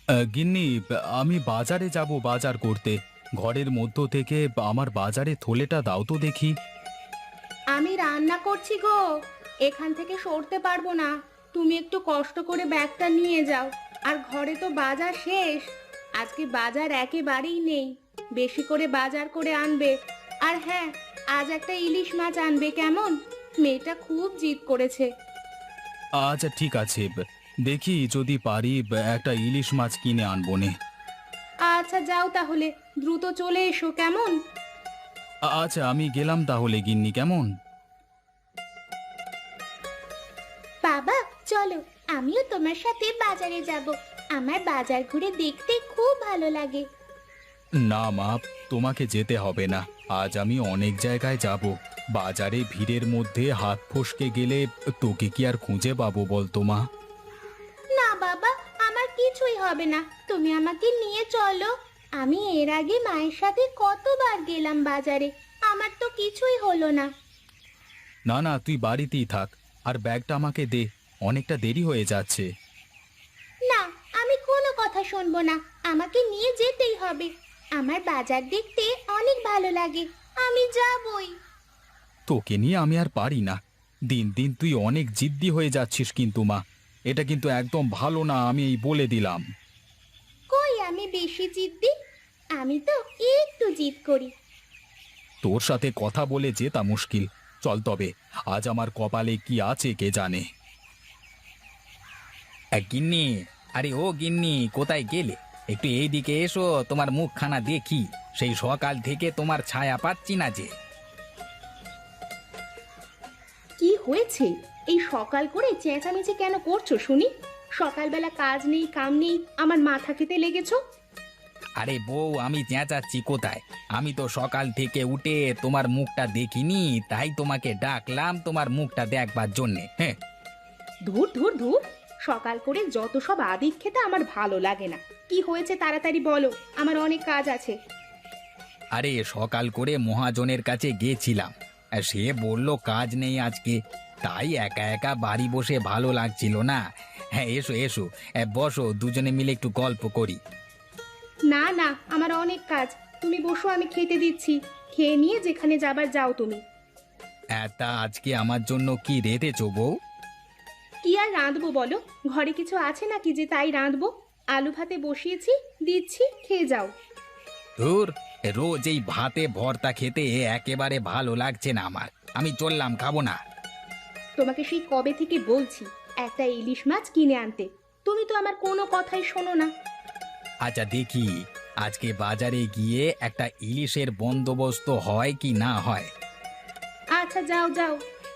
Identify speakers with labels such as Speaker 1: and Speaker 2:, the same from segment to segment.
Speaker 1: গিন্নি, আমি বাজারে যাব বাজার করতে। ঘরের মধ্য থেকে আমার বাজারে থলেটা দাও তো দেখি।
Speaker 2: আমি রান্না করছি গো, এখান থেকে সরতে পারবো না। তুমি একটু কষ্ট করে ব্যাগটা নিয়ে যাও। আর ঘরে তো বাজার শেষ, আজকে বাজার একেবারেই নেই। বেশি করে বাজার করে আনবে। আর হ্যাঁ, আজ একটা ইলিশ মাছ আনবে কেমন? মেয়েটা খুব জিদ করেছে।
Speaker 1: আচ্ছা ঠিক আছে, দেখি যদি পারি একটা ইলিশ মাছ কিনে আনবো নে।
Speaker 2: আচ্ছা যাও তাহলে, দ্রুত চলে এসো কেমন?
Speaker 1: আচ্ছা আমি গেলাম তাহলে গিন্নি, কেমন?
Speaker 2: বাবা চলো, আমিও তোমার সাথে বাজারে যাব। আমার বাজার ঘুরে দেখতে খুব ভালো লাগে।
Speaker 1: না মা, তোমাকে যেতে হবে না। আজ আমি অনেক জায়গায় যাব। বাজারে ভিড়ের মধ্যে হাত ফসকে গেলে তোকে কি আর খুঁজে পাবো বলতো মা?
Speaker 2: না বাবা, আমার কিছুই হবে না, তুমি আমাকে নিয়ে চলো। আমি এর আগে মায়ের সাথে কতবার গেলাম বাজারে, আমার তো কিছুই হলো না।
Speaker 1: না না, তুই বাড়িতেই থাক। আর ব্যাগটা আমাকে দে, অনেকটা দেরি হয়ে যাচ্ছে।
Speaker 2: না, আমি কোনো কথা শুনবো না, আমাকে নিয়ে যেতেই হবে। আমার বাজার দেখতে অনেক ভালো লাগে, আমি যাবই।
Speaker 1: তোকে নিয়ে আমি আর পারি না। দিন দিন তুই অনেক জিদ্দি হয়ে যাচ্ছিস কিন্তু মা। এটা কিন্তু একদম ভালো না, আমি এই বলে দিলাম।
Speaker 2: কই আমি বেশি জিদ্দি? আমি তো একটু জিদ করি।
Speaker 1: তোর সাথে কথা বলে জেতা মুশকিল। চল তবে, আজ আমার কপালে কি আছে কে জানে।
Speaker 3: গিন্নি, আরে ও গিন্নি, কোথায় গেলে? একটু এইদিকে এসো, তোমার মুখখানা দেখি। সেই সকাল থেকে তোমার ছায়া পাচ্ছি না যে।
Speaker 2: কি হয়েছে? এই সকাল করে চেঁচামেচি কেন করছো শুনি? সকালবেলা কাজ নেই কাম নেই, আমার মাথা খেতে লেগেছো।
Speaker 3: আরে বউ, আমি চেঁচাচ্ছি কোথায়? আমি তো সকাল থেকে উঠে তোমার মুখটা দেখিনি, তাই তোমাকে ডাকলাম তোমার মুখটা দেখবার জন্যে। হ্যাঁ।
Speaker 2: ধুর ধুর ধুর, সকাল করে যত সব আদিক খেতে আমার ভালো লাগে না। কি হয়েছে তাড়াতাড়ি বলো, আমার অনেক কাজ আছে।
Speaker 3: আরে সকাল করে মহাজনের কাছে গেছিলাম, আর সে বলল কাজ নেই আজকে। তাই একা একা বাড়ি বসে ভালো লাগছিল না। হ্যাঁ, এসো এসো, বসো, দুজনে মিলে একটু গল্প করি।
Speaker 2: না না, আমার অনেক কাজ, তুমি বসো, আমি খেতে দিচ্ছি। খেয়ে নিয়ে যেখানে যাবার যাও তুমি।
Speaker 3: তা আজকে আমার জন্য কি রেঁধেছো বউ?
Speaker 2: কি আর রাঁধবো বলো, ঘরে কিছু আছে নাকি যে তাই রাঁধবো? আলু ভাতে বসিয়েছি, দিচ্ছি, খেয়ে যাও।
Speaker 3: ধুর, রোজ এই ভাতে ভর্তা খেতে একেবারে ভালো লাগছে না আমার। আমি চললাম, খাবো না।
Speaker 2: তোমাকে সেই কবে থেকে বলছি একটা ইলিশ মাছ কিনে আনতে, তুমি তো আমার কোনো কথাই শোনো না।
Speaker 3: আচ্ছা দেখি, আজকে বাজারে গিয়ে একটা ইলিশের বন্দোবস্ত হয় কি না হয়।
Speaker 2: আচ্ছা যাও যাও।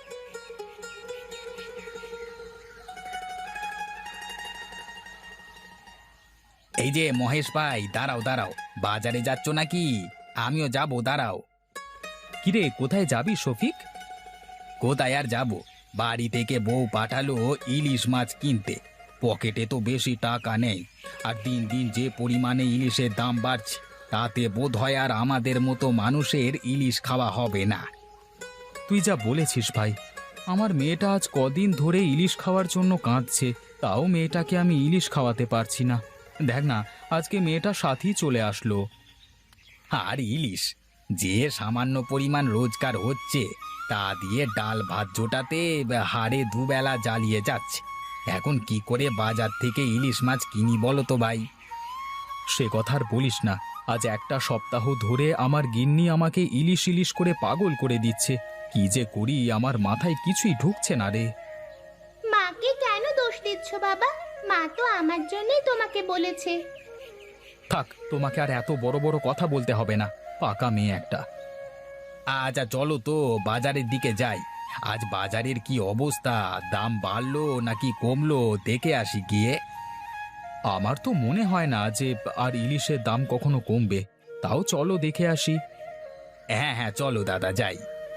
Speaker 3: এই যে মহেশ ভাই, দাঁড়াও দাঁড়াও, বাজারে যাচ্ছ নাকি? আমিও যাব, দাঁড়াও।
Speaker 1: কিরে, কোথায় যাবি শফিক?
Speaker 3: কোথায় আর যাব, বাড়ি থেকে বউ পাঠালো ইলিশ মাছ কিনতে। পকেটে তো বেশি টাকা নেই, আর দিন দিন যে পরিমাণে ইলিশের দাম বাড়ছে, তাতে বোধ হয় আর আমাদের মতো মানুষের ইলিশ খাওয়া হবে না।
Speaker 1: তুই যা বলেছিস ভাই, আমার মেয়েটা আজ কদিন ধরে ইলিশ খাওয়ার জন্য কাঁদছে। তাও মেয়েটাকে আমি ইলিশ খাওয়াতে পারছি না। দেখ না, আজকে মেয়েটা সাথেই চলে আসলো।
Speaker 3: আর ইলিশ, যে সামান্য পরিমাণ রোজগার হচ্ছে, তা দিয়ে ডাল ভাত জোটাতে হাড়ে দুবেলা জ্বালিয়ে যাচ্ছে। এখন কি করে বাজার থেকে ইলিশ মাছ কিনি বলো তো ভাই?
Speaker 1: সে কথা আর বলিস না। আজ একটা সপ্তাহ ধরে আমার গিন্নি আমাকে ইলিশ ইলিশ করে পাগল করে দিচ্ছে। কি যে করি আমার মাথায় কিছুই ঢুকছে না রে।
Speaker 2: মাকে কেন দোষ দিচ্ছ বাবা? মা তো আমার জন্যই তোমাকে বলেছে।
Speaker 1: থাক, তোমাকে আর এত বড় বড় কথা বলতে হবে না, পাকা মেয়ে একটা।
Speaker 3: আচ্ছা চলো তো বাজারের দিকে যাই। আজ বাজারের কি অবস্থা, দাম বাড়লো নাকি কমলো দেখে আসি গিয়ে।
Speaker 1: আমার তো মনে হয় না যে আর ইলিশের দাম কখনো কমবে। তাও চলো দেখে আসি।
Speaker 3: হ্যাঁ হ্যাঁ, চলো দাদা, যাই।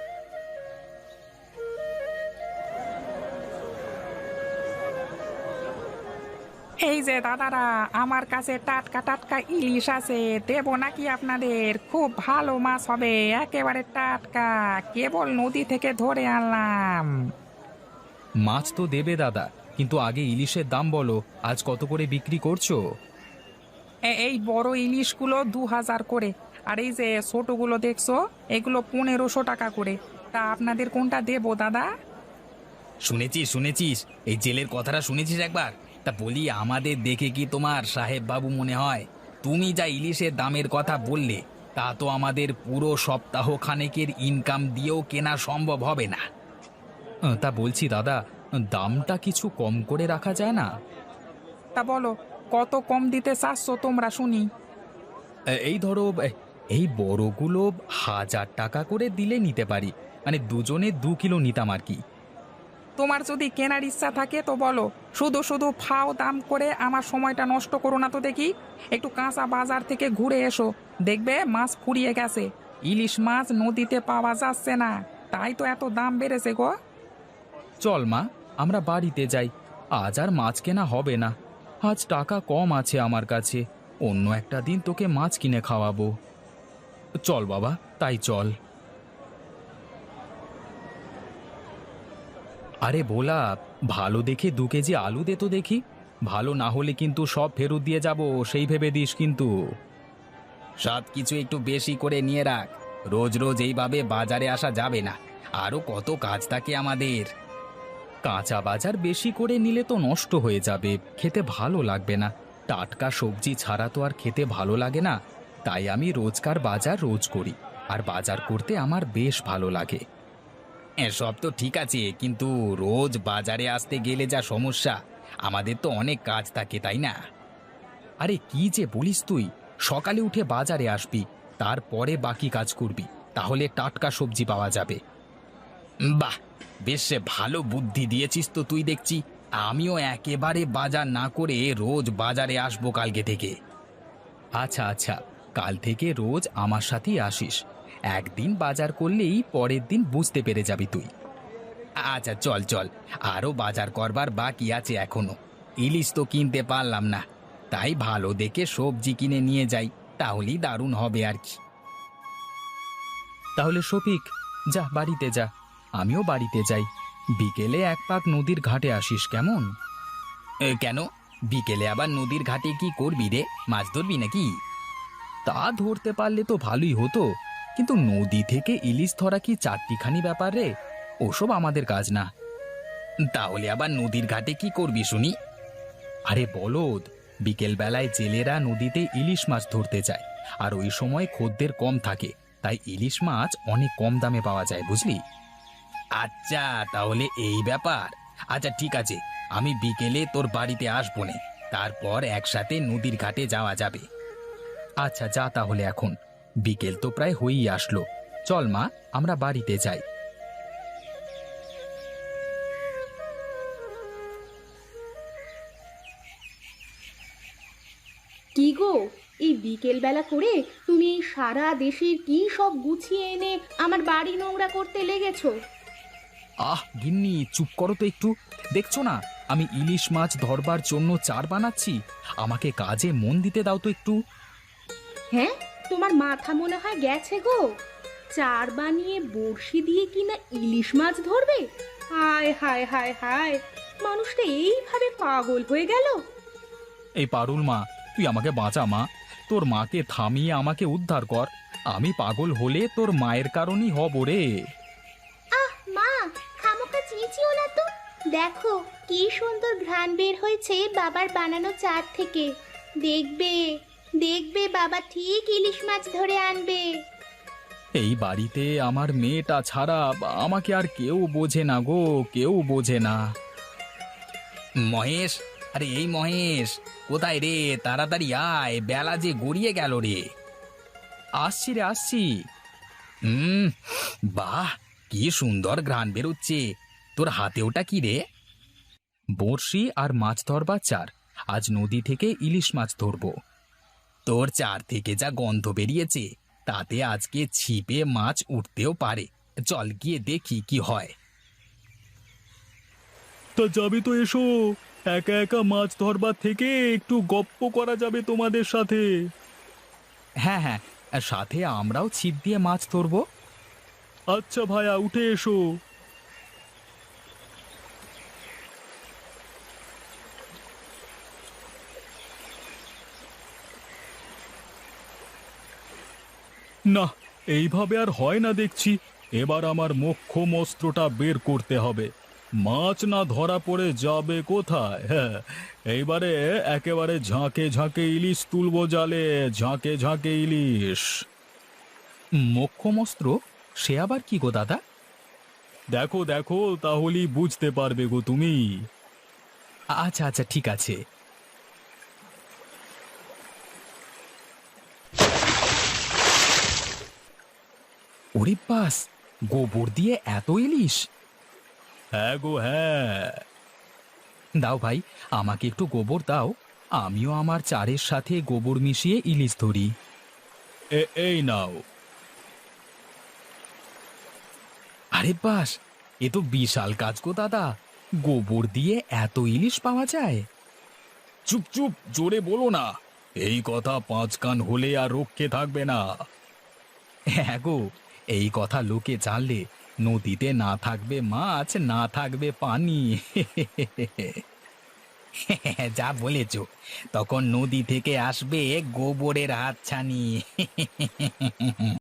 Speaker 4: এই যে দাদারা, আমার কাছে টাটকা টাটকা ইলিশ আছে, দেবো নাকি আপনাদের? খুব ভালো মাছ হবে, একেবারে টাটকা, কেবল নদী থেকে ধরে আনলাম।
Speaker 1: মাছ তো দেবে দাদা, কিন্তু আগে ইলিশের দাম বলো, আজ কত করে বিক্রি করছো?
Speaker 4: এই বড় ইলিশগুলো 2,000 করে, আর এই যে ছোটগুলো দেখছো এগুলো 1,500 টাকা করে। তা আপনাদের কোনটা দেবো দাদা?
Speaker 3: শুনেছিস শুনেছিস, এই জেলের কথাটা শুনেছিস একবার? তা বলি, আমাদের দেখে কি তোমার সাহেব বাবু মনে হয়? তুমি যা ইলিশের দামের কথা বললে, তা তো আমাদের পুরো সপ্তাহ খানেকের ইনকাম দিয়েও কেনা সম্ভব হবে না।
Speaker 1: তা বলছি দাদা, দামটা কিছু কম করে রাখা যায় না?
Speaker 4: তা বলো, কত কম দিতে চাচ্ছ তোমরা শুনি?
Speaker 1: এই ধরো, এই বড়গুলো 1,000 টাকা করে দিলে নিতে পারি, মানে দুজনে 2 কিলো নিতাম আর কি।
Speaker 4: তোমার যদি কেনার ইচ্ছা থাকে তো বলো, শুধু শুধু ফাও দাম করে আমার সময়টা নষ্ট করো না তো দেখি। একটু কাঁচা বাজার থেকে ঘুরে এসো, দেখবে মাছ ফুরিয়ে গেছে। ইলিশ মাছ নদীতে পাওয়া যাচ্ছে না, তাই তো এত দাম বেড়েছে গো।
Speaker 1: চল মা, আমরা বাড়িতে যাই। আজ আর মাছ কেনা হবে না, আজ টাকা কম আছে আমার কাছে। অন্য একটা দিন তোকে মাছ কিনে খাওয়াবো। চল বাবা, তাই চল। আরে ভোলা, ভালো দেখে 2 কেজি আলু দে তো দেখি। ভালো না হলে কিন্তু সব ফেরত দিয়ে যাব, সেই ভেবে দিস কিন্তু।
Speaker 3: সব কিছু একটু বেশি করে নিয়ে রাখ, রোজ রোজ এইভাবে বাজারে আসা যাবে না, আরো কত কাজ থাকে আমাদের।
Speaker 1: কাঁচা বাজার বেশি করে নিলে তো নষ্ট হয়ে যাবে, খেতে ভালো লাগবে না। টাটকা সবজি ছাড়া তো আর খেতে ভালো লাগে না। তাই আমি রোজকার বাজার রোজ করি, আর বাজার করতে আমার বেশ ভালো লাগে।
Speaker 3: সব তো ঠিক আছে, কিন্তু রোজ বাজারে আসতে গেলে যা সমস্যা, আমাদের তো অনেক কাজ থাকে, তাই না?
Speaker 1: আরে কি যে বলিস তুই, সকালে উঠে বাজারে আসবি, তারপরে বাকি কাজ করবি, তাহলে টাটকা সবজি পাওয়া যাবে।
Speaker 3: বাহ, বেশ ভালো বুদ্ধি দিয়েছিস তো তুই দেখছি। আমিও একেবারে বাজার না করে রোজ বাজারে আসবো কালকে থেকে।
Speaker 1: আচ্ছা আচ্ছা, কাল থেকে রোজ আমার সাথেই আসিস। একদিন বাজার করলেই পরের দিন বুঝতে পেরে যাবি তুই।
Speaker 3: আচ্ছা চল চল, আরো বাজার করবার বাকি আছে এখনো। ইলিশ তো কিনতে পারলাম না, তাই ভালো দেখে সবজি কিনে নিয়ে যাই, তাহলেই দারুণ হবে আর কি।
Speaker 1: তাহলে শফিক, যা বাড়িতে যা, আমিও বাড়িতে যাই। বিকেলে 1 পাক নদীর ঘাটে আসিস, কেমন?
Speaker 3: কেন, বিকেলে আবার নদীর ঘাটে কি করবি রে? মাছ ধরবি নাকি?
Speaker 1: তা ধরতে পারলে তো ভালোই হতো, কিন্তু নদী থেকে ইলিশ ধরা কি চারটিখানি ব্যাপার রে? ওসব আমাদের কাজ না।
Speaker 3: তাহলে আবার নদীর ঘাটে কি করবি শুনি?
Speaker 1: আরে বলদ, বিকেল বেলায় জেলেরা নদীতে ইলিশ মাছ ধরতে যায়, আর ওই সময় খদ্দের কম থাকে, তাই ইলিশ মাছ অনেক কম দামে পাওয়া যায়, বুঝলি?
Speaker 3: আচ্ছা, তাহলে এই ব্যাপার। আচ্ছা ঠিক আছে, আমি বিকেলে তোর বাড়িতে আসবো নে, তারপর একসাথে নদীর ঘাটে যাওয়া যাবে।
Speaker 1: আচ্ছা যা তাহলে এখন, বিকেল তো প্রায় হয়েই আসলো। চল মা, আমরা বাড়িতে যাই।
Speaker 2: কি গো, এই বিকেল বেলা করে তুমি এই সারা দেশের কি সব গুছিয়ে এনে আমার বাড়ি নোংরা করতে লেগেছো?
Speaker 1: আহ গিন্নি, চুপ করো তো একটু। দেখছো না আমি ইলিশ মাছ ধরবার জন্য চার বানাচ্ছি? আমাকে কাজে মন দিতে দাও তো একটু।
Speaker 2: হ্যাঁ, তোমার মাথা মনে হয় গেছে গো। চার বানিয়ে বড়শি দিয়ে কিনা ইলিশ মাছ ধরবে? হায় হায় হায় হায়, মানুষটা এইভাবে পাগল হয়ে গেল।
Speaker 1: এই পারুল মা, তুই আমাকে বাঁচা মা। তোর মাকে থামিয়ে আমাকে উদ্ধার কর। আমি পাগল হলে তোর মায়ের কারণেই হব রে।
Speaker 2: আহ মা, খামোকা চেঁচিও না তো। দেখো কি সুন্দর ঘ্রাণ বের হয়েছে বাবার বানানো চার থেকে। দেখবে দেখবে, বাবা ঠিক ইলিশ মাছ ধরে আনবে।
Speaker 1: এই বাড়িতে আমার মেয়েটা ছাড়া আমাকে আর কেউ বোঝে না গো, কেউ বোঝে না।
Speaker 3: মহেশ, আরে এই মহেশ, কোথায় রে? তাড়াতাড়ি আয়, বেলা যে গড়িয়ে গেল রে।
Speaker 1: আসছি রে, আসছি।
Speaker 3: হুম, বাহ, কি সুন্দর ঘ্রাণ বেরোচ্ছে। তোর হাতে ওটা কি রে?
Speaker 1: বড়শি আর মাছ ধরবার চার। আজ নদী থেকে ইলিশ মাছ ধরবো।
Speaker 3: তোর চার থেকে যা গন্ধ বেরিয়েছে, তাতে আজকে ছিপে মাছ উঠতেও পারে। চল গিয়ে দেখি কি হয়।
Speaker 1: তা যাবে তো এসো, একা একা মাছ ধরবার থেকে একটু গপ্প করা যাবে তোমাদের সাথে। হ্যাঁ হ্যাঁ, সাথে আমরাও ছিপ দিয়ে মাছ ধরবো। আচ্ছা ভাইয়া, উঠে এসো। না, এইভাবে আর হয় না দেখছি। এবার আমার মোক্ষম অস্ত্রটা বের করতে হবে। মাছ না ধরা পড়ে যাবে কোথায়? হ্যাঁ, এইবারে একেবারে ঝাঁকে ঝাঁকে ইলিশ তুলবো জালে, ঝাঁকে ঝাঁকে ইলিশ। মোক্ষম অস্ত্র? সে আবার কি গো দাদা? দেখো দেখো, তাহলেই বুঝতে পারবে গো তুমি। আচ্ছা আচ্ছা, ঠিক আছে। ওরে বাস, গোবর দিয়ে এত ইলিশ! হ্যাঁ গো হ্যাঁ। দাও ভাই, আমাকে একটু গোবর দাও। আমিও আমার চারের সাথে গোবর মিশিয়ে ইলিশ ধরি। এই নাও। আরে বাস, এ তো বিশাল কাজ গো দাদা। গোবর দিয়ে এত ইলিশ পাওয়া যায়? চুপ চুপ, জোরে বলো না। এই কথা 5 কান হলে আর রক্ষে থাকবে না। হ্যাঁ গো, এই কথা লোকে জানলে নদীতে না থাকবে মাছ, না থাকবে পানি। যা বলেছ, তখন নদী থেকে আসবে গোবরের হাতছানি।